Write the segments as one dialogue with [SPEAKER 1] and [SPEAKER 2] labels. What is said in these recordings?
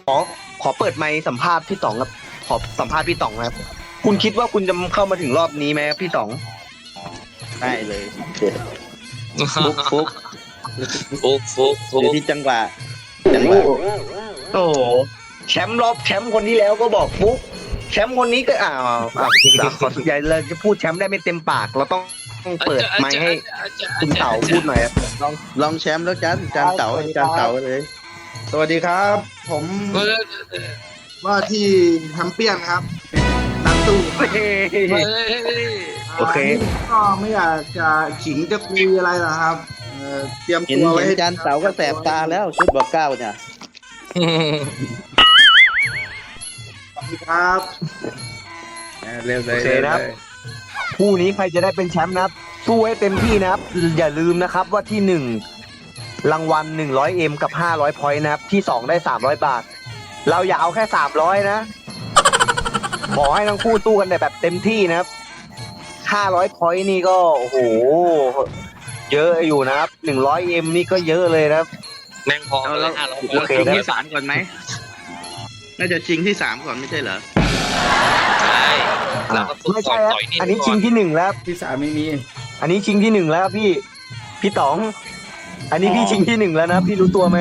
[SPEAKER 1] ขอขอเปิดไมค์สัมภาษณ์พี่ต๋องครับขอสัมภาษณ์พี่ต๋องครับคุณคิดว่าคุณจะเข้ามาถึงรอบนี้ไหมครับพี่ต๋อง
[SPEAKER 2] ได้เลย
[SPEAKER 3] ฟุกฟุก
[SPEAKER 2] อยู่ที่จังหวะ
[SPEAKER 1] โอ้โหแชมป์รอบแชมป์คนที่แล้วก็บอกฟุกแชมป์คนนี้ก็ขอสุดใหญ่เลยจะพูดแชมป์ได้ไม่เต็มปากเราต้องเปิดไมค์ให้คุณเต๋าพูดหน่อยครับ
[SPEAKER 2] ลองแชมป์แล้วจานเต๋าเลย
[SPEAKER 4] สวัสดีครับ ผมว่าที่แชมเปี้ยนครับนักสู้
[SPEAKER 1] โอเค
[SPEAKER 4] ก็ไม่อยากจะขิงจะคุยอะไรนะครับเตรียม
[SPEAKER 2] เห็น
[SPEAKER 4] ตัวไว้ให้
[SPEAKER 2] จานเต๋าก็แสบตาแล้วชุดบอกเก้าเนี่ย
[SPEAKER 4] สวัสดีครับ
[SPEAKER 3] เร็วเล
[SPEAKER 1] โอย เคนะครับคู่นี้ใครจะได้เป็นแชมป์นะครับสู้ให้เต็มที่นะครับ อย่าลืมนะครับว่าที่หนึ่งรางวัล 100M กับ 500 พอยต์นะครับ ที่สองได้ 300 บาท เราอย่าเอาแค่ 300 นะ ขอให้ทั้งคู่สู้กันแบบเต็มที่นะครับ 500 พอยต์นี่ก็โอ้โห เยอะอยู่นะครับ 100M นี่ก็เยอะเลยนะครับ
[SPEAKER 3] แม่งพอแล้ว
[SPEAKER 1] โอเค
[SPEAKER 2] ชิงที่สามก่อนไหมน่าจะชิงที่สามก่อนไม่ใช่เหรอ
[SPEAKER 3] ใช่เราก็
[SPEAKER 1] ไม่ใช่ครับอันนี้ชิงที่หนึ่งแล้ว
[SPEAKER 4] ที่สามไม่มี
[SPEAKER 1] อันนี้ชิงที่หนึ่งแล้วพี่ต๋อง อันนี้พี่ชิงที่หนึ่งแล้วนะพี่รู้ตัวไหม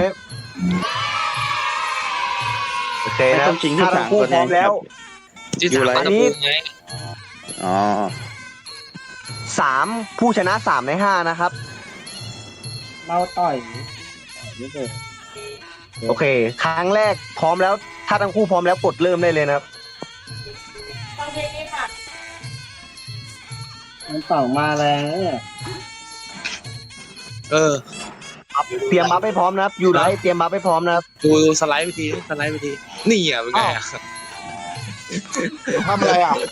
[SPEAKER 1] โอเคนะ
[SPEAKER 2] ต้องชิงที่
[SPEAKER 1] ถ้า
[SPEAKER 2] สาม
[SPEAKER 1] ทั้งคู่
[SPEAKER 2] ก่อน
[SPEAKER 1] พร้อมแล้ว
[SPEAKER 3] ที่สามอันนี้ไง
[SPEAKER 2] อ๋อ
[SPEAKER 1] ผู้ชนะ3 ใน 5นะครับ
[SPEAKER 4] เราต่อย
[SPEAKER 1] โอเค ครั้งแรกพร้อมแล้ว ถ้าทั้งคู่พร้อมแล้วกดเริ่มได้เลยนะครับ
[SPEAKER 4] มันต่อมาแล้ว
[SPEAKER 3] เออ
[SPEAKER 1] เตรียมบัฟให้พร้อมนะครับ อยู่ไรเตรียมบัฟให้พร้อมนะครับ
[SPEAKER 3] ดูสไลด์ไปทีนี่อ่ะเป็นไงอ่ะ
[SPEAKER 4] ทำอะไรอ่ะ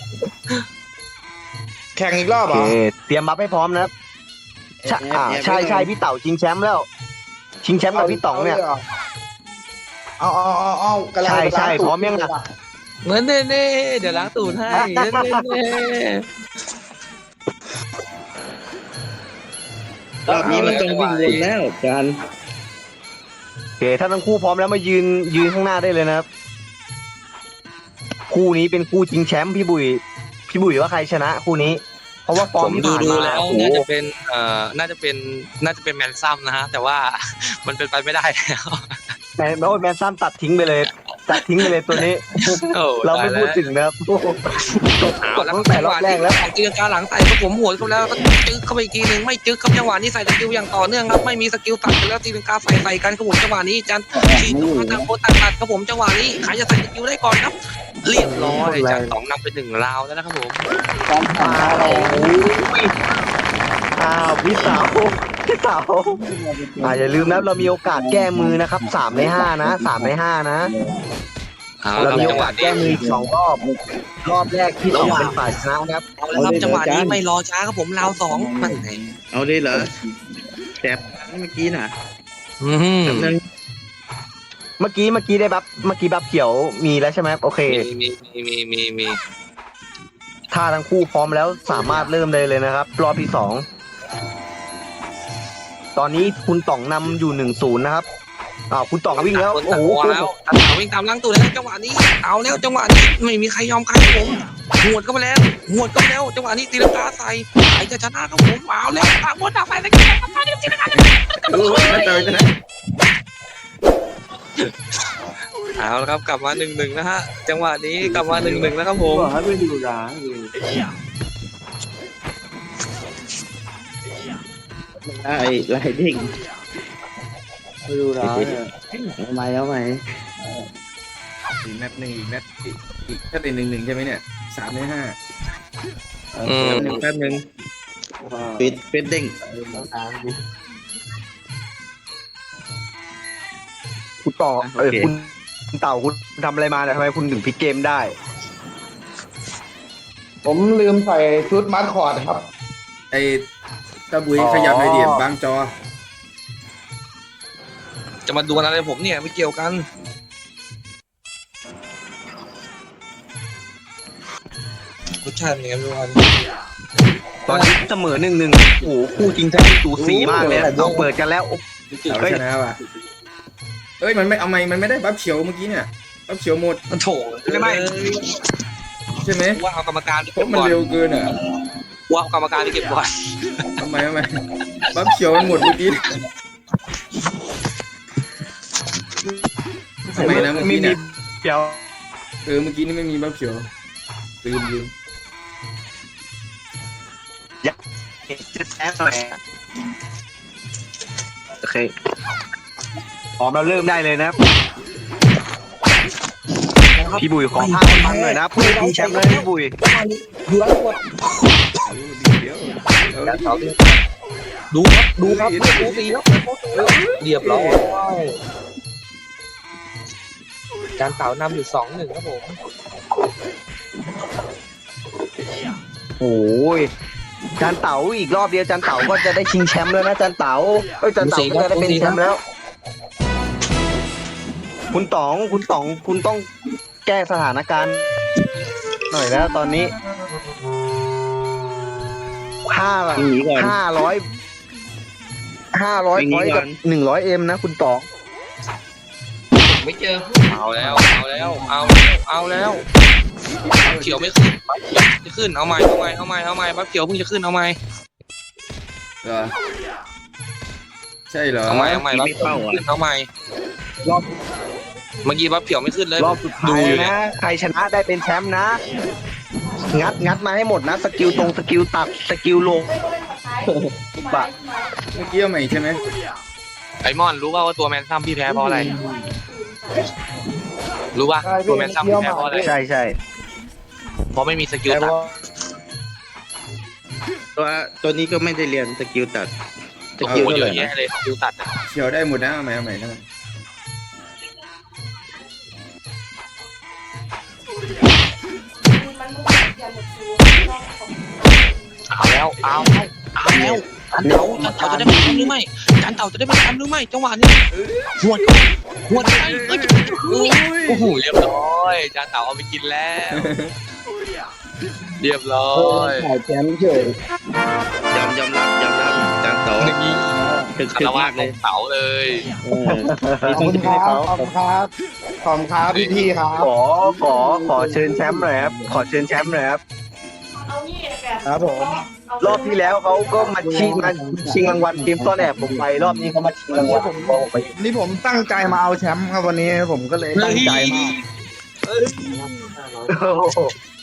[SPEAKER 4] แข่งอีกรอบ
[SPEAKER 1] โอ
[SPEAKER 4] เหร
[SPEAKER 1] เค
[SPEAKER 4] อ
[SPEAKER 1] เตรียมบัฟให้พร้อมนะครับใช่พี่เต่าชิงแชมป์แล้ว ชิงแชมป์กับพี่ต๋องเนี่ย
[SPEAKER 4] เอากำลัง
[SPEAKER 1] ใช่พร้อมยังอ่ะ
[SPEAKER 3] เหมือนเน่เดี๋ยวล้างตูดให้เน่
[SPEAKER 2] รอบนี้มันต้องวิ่งวนแล้วจาน
[SPEAKER 1] โอเค ถ้าทั้งคู่พร้อมแล้วมายืนข้างหน้าได้เลยนะครับ คู่นี้เป็นคู่ชิงแชมป์พี่บุ๋ยว่าใครชนะคู่นี้ เพราะว่าฟอ
[SPEAKER 3] ผ
[SPEAKER 1] ร์ม
[SPEAKER 3] ม
[SPEAKER 1] ที่
[SPEAKER 3] ดู
[SPEAKER 1] ผ่านมา
[SPEAKER 3] แล้ว
[SPEAKER 1] โอ้โห
[SPEAKER 3] น่าจะเป็นแมนซัมนะฮะแต่ว่ามันเป็นไปไม่ได้แล้ว
[SPEAKER 1] แมนซัมตัดทิ้งไปเลยตัวนี้ เราไม่พูดถึงนะครับ
[SPEAKER 3] เอาแล้ว
[SPEAKER 1] ตั้งแต่รอบแรกแล้ว
[SPEAKER 3] ตีลังกาหลังใส่ก็ผมหัวเขาแล้วก็จึ๊กเข้าไปอีกทีหนึ่งไม่จึ๊กครับจังหวะนี้ใส่สกิลอย่างต่อเนื่องครับไม่มีสกิลตัดไปแล้วตีลังกาใส่กันครับผมจังหวะนี้จันทีตัวต่างคนต่างตัดครับผมจังหวะนี้ใครจะใส่สกิลได้ก่อนครับเรียบร้อยจัน2นำไป1ราวแล้วนะครับผม
[SPEAKER 1] พี่สาวอย่าลืมนะเรามีโอกาสแก้มือนะครับ3 ใน 5นะ3 ใน 5นะเรามีโอกาสแก้มืออีก2 รอบแรกที่ต๋องเป็นฝ่ายชนะครับ
[SPEAKER 3] เอาละครับจังหวะนี้ไม่รอช้าครับผมราว2มันไง
[SPEAKER 2] เอาได้เหรอแสบเมื่อกี้น่ะ
[SPEAKER 1] เมื่อกี้ได้บัฟเขียวมีแล้วใช่ไหมโอเค
[SPEAKER 3] มี
[SPEAKER 1] ถ้าทั้งคู่พร้อมแล้วสามารถเริ่มได้เลยนะครับ รอบที่ 2 ตอนนี้คุณต๋องนำอยู่1-0นะครับคุณต๋องวิ่งแล้วโอ้โห
[SPEAKER 3] แล้ววิ่งตามล้างตัวแล้วจังหวะนี้เอาแล้วจังหวะนี้ไม่มีใครยอมใครครับผมหวดก็ไปแล้วจังหวะนี้ตีลังกาใส่ใครจะชนะครับผมเอาแล้วตามบนตามไปตีลังกาเอาแล้วครับกลับมา1-1นะฮะจังหวะนี้กลับมา1-1แล้วครับผม
[SPEAKER 4] ให้ไปดูร้าน
[SPEAKER 2] ไล่เด้ง
[SPEAKER 4] ไปดูร้าน
[SPEAKER 2] เอาไหม
[SPEAKER 5] อีกนัดหนึ่งอีกนัดอีกถ้าเป็น1-1ใช่ไหมเนี่ย3 ใน 5
[SPEAKER 2] แป๊บนึงปิดเด้ง
[SPEAKER 1] คุณต่อคุณเต่าคุณทำอะไรมาเนี่ยทำไมคุณถึงพลิกเกมได้
[SPEAKER 4] ผมลืมใส่ชุดมัดคอร์ดครับ
[SPEAKER 5] ไอ้ตะบุยขยับหน่อยดิบางจอ
[SPEAKER 3] จะมาดูอะไรผมเนี่ยไม่เกี่ยวกันรสชาติเป็นยังไงไม่รู้
[SPEAKER 1] ตอนนี้เสมอ1-1โอ้โหคู่จริงแท้สูสีมากเลยต้องเปิดกันแล้ว
[SPEAKER 5] เอาชนะว่ะเอ้ยมันไม่เอามันไม่ได้บัฟเขียวเมื่อกี้เนี่ยบัฟเขียวหมด
[SPEAKER 3] มันโถไม่
[SPEAKER 5] ใช่ไหม
[SPEAKER 3] ว่าเอากรรมการไป
[SPEAKER 5] เพ
[SPEAKER 3] เก็บ
[SPEAKER 5] ราะมัน
[SPEAKER 3] ก่อน
[SPEAKER 5] เร็วเกินอ่ะ
[SPEAKER 3] ว่าเอากรรมการไปเก็บก่อน
[SPEAKER 5] ทำไมบัฟเขียวมันหมดเมื่อกี้ทำไมนะเมื่อกี้เนี่ย
[SPEAKER 1] เดี๋ยว
[SPEAKER 5] เมื่อกี้นี่ไม่มีบัฟเขียวลืม
[SPEAKER 1] จะแซมหน่อยโอเคพร้อมเราเริ่มได้เลยนะพี่บุ๋ยขอภาพฟังหน่อยนะเพื่อทีแชมป์เลยพี่บุ๋ย
[SPEAKER 3] ดูแล้วกด
[SPEAKER 5] เดี๋ยว
[SPEAKER 3] ดูครับดูโอ้ตีแล้วเรียบร้อยจานเต่านำอยู่ 2-1 ครับผม
[SPEAKER 1] โอ้ยจานเต๋าอีกรอบเดียวจานเต๋าก็จะได้ชิงแชมป์แล้วนะจานเต๋าจานเต๋าก็จะได้เป็นแชมป์แล้ว คุณต๋องคุณต้องแก้สถานการณ์หน่อยแล้วตอนนี้500 พอยต์กับ100M นะคุณต๋อง
[SPEAKER 3] ไม่เจอเอาแล้วเขียวไม่ขึ้นเอาใหม่บัฟเขียวเพิ่งจะขึ้นเอาใหม่
[SPEAKER 5] เหรอใช่เหรอ
[SPEAKER 3] เอาใหม่บัฟเขียวขึ้นเอาใหม่รอบเมื่อกี้บัฟเขียวไม่ขึ้นเลย
[SPEAKER 1] รอบสุดท้ายนะใครชนะได้เป็นแชมป์นะงัดมาให้หมดนะสกิลตรงสกิลตัดสกิลลงบะ
[SPEAKER 5] เมื่อกี้เอาใหม่ใช่ไหม
[SPEAKER 3] ไอมอนรู้ว่าตัวแมนซัมพี่แพ้เพราะอะไรรู้ป่ะตัวแมนซัมพี่แพ้เพราะอะไร
[SPEAKER 1] ใช่
[SPEAKER 3] เพราะไม่มีสกิลตัด
[SPEAKER 2] ตัวนี้ก็ไม่ได้เรียนสกิลตัดส
[SPEAKER 3] โอ้โห
[SPEAKER 2] กิลเท่า
[SPEAKER 3] เย
[SPEAKER 2] ไหร่
[SPEAKER 3] อะแยะเลยสกิลตัด
[SPEAKER 5] เขียวได้หมดนะเอาใหม่นะ
[SPEAKER 3] เอาแล้วจันเต่าจะได้เป็นแชมป์หรือไม่จันเต่าจะได้เป็นแชมป์หรือไม่จังหวะนี้หัวใจโอ้โหเรียบร้อยจันเต่าเอาไปกินแล้วเรียบร้อย
[SPEAKER 1] ถ่ายแชมป์เฉย
[SPEAKER 2] ยอมรับจานโต
[SPEAKER 3] นี่
[SPEAKER 2] ถึก
[SPEAKER 3] คารวะ
[SPEAKER 2] มาก
[SPEAKER 3] ข
[SPEAKER 2] เล
[SPEAKER 3] อย งเต่าเลย
[SPEAKER 2] มี
[SPEAKER 4] ขอบ
[SPEAKER 2] ต้อง
[SPEAKER 4] คุณ
[SPEAKER 2] จะ
[SPEAKER 4] ค
[SPEAKER 2] ให้
[SPEAKER 4] รับ
[SPEAKER 2] เขา
[SPEAKER 4] ขอบคุณครับพี่ครับ
[SPEAKER 1] ขอเชิญแชมป์หน่อยครับขอเชิญแชมป์หน่อยครับ
[SPEAKER 4] ครับผม
[SPEAKER 1] รอบที่แล้วเขาก็มาชิงรางวัลทีมซ่อนแอบผมไปรอบนี้เขามาชิงรางวัลผมไป
[SPEAKER 4] นี่ผมตั้งใจมาเอาแชมป์ครับวันนี้ผมก็เลยตั้งใจมาก
[SPEAKER 1] โอ้โห